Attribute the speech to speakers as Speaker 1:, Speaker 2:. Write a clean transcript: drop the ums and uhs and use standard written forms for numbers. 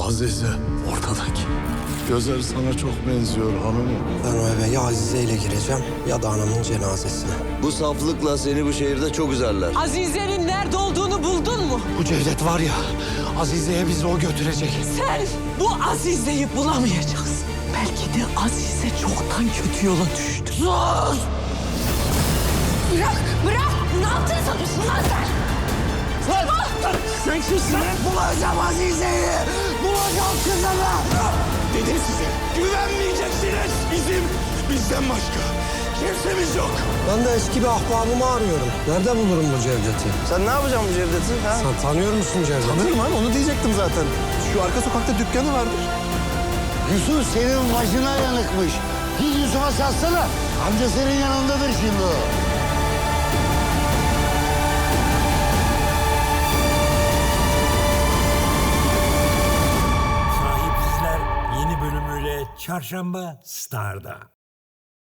Speaker 1: Azize ortadaki. Gözleri sana çok benziyor hanımım.
Speaker 2: Ben o eve ya Azize ile gireceğim ya da anamın cenazesine.
Speaker 3: Bu saflıkla seni bu şehirde çok üzerler.
Speaker 4: Azize'nin nerede olduğunu buldun mu?
Speaker 2: Bu Cevdet var ya, Azize'ye bizi o götürecek.
Speaker 4: Sen bu Azize'yi bulamayacaksın. Belki de Azize çoktan kötü yola düştü.
Speaker 2: Sus!
Speaker 4: Bırak! Ne yaptın sanıyorsun lan sen?
Speaker 2: Sen kimsin? Bulacağım Azize'yi! Bulacağım kızımı!
Speaker 1: Dedim size güvenmeyeceksiniz. Bizden başka kimsemiz yok.
Speaker 2: Ben de eski bir ahbabımı arıyorum. Nerede bulurum bu Cevdet'i?
Speaker 3: Sen ne yapacaksın bu Cevdet'i? Ha?
Speaker 2: Sen tanıyor musun Cevdet'i?
Speaker 1: Tanırım abi, onu diyecektim zaten. Şu arka sokakta dükkanı vardır.
Speaker 5: Yusuf senin başına yanıkmış. Git Yusuf'a satsana. Amca senin yanındadır şimdi o.
Speaker 6: Sahipsizler yeni bölümüyle Çarşamba Star'da.